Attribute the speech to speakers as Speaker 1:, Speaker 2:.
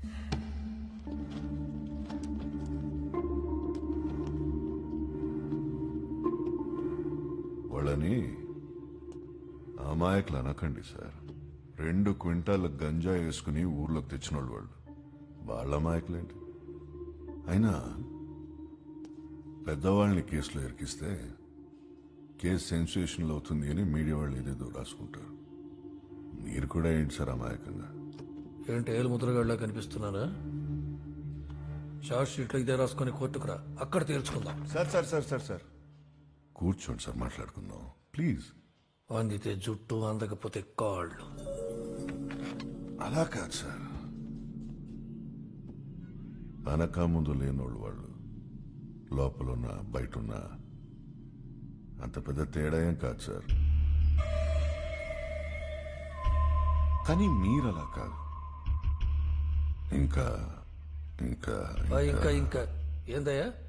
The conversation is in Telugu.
Speaker 1: వాళ్ళని అమాయకులు అనకండి సార్. 2 క్వింటాల గంజా వేసుకుని ఊర్లోకి తెచ్చిన వాళ్ళు వాళ్ళ అమాయకులేంటి? అయినా పెద్దవాళ్ళని కేసులో ఇరికిస్తే కేసు సెన్సేషన్లు అవుతుంది అని మీడియా వాళ్ళు ఏదేదో రాసుకుంటారు. మీరు కూడా ఏంటి సార్ అమాయకంగా?
Speaker 2: ఏంటి ఏలు ముద్రగాడిలా కనిపిస్తున్నారా? షార్ట్ షీట్లో ఇదే రాసుకొని కోర్టుకు రా, అక్కడ తేల్చుకుందాం.
Speaker 3: Sir sir sir sir sir
Speaker 1: కూర్చోండి సార్, మాట్లాడుకుందాం ప్లీజ్.
Speaker 2: అందితే జుట్టు, అందకపోతే కాళ్ళు.
Speaker 1: అలా కాదు సార్, వెనక ముందు లేనోళ్ళు వాళ్ళు, లోపలున్నా బయటున్నా అంత పెద్ద తేడా ఏం కాదు సార్. కానీ మీరు అలా కాదు. ఇంకా ఇంకా
Speaker 2: ఇంకా ఇంకా ఏందయ్యా?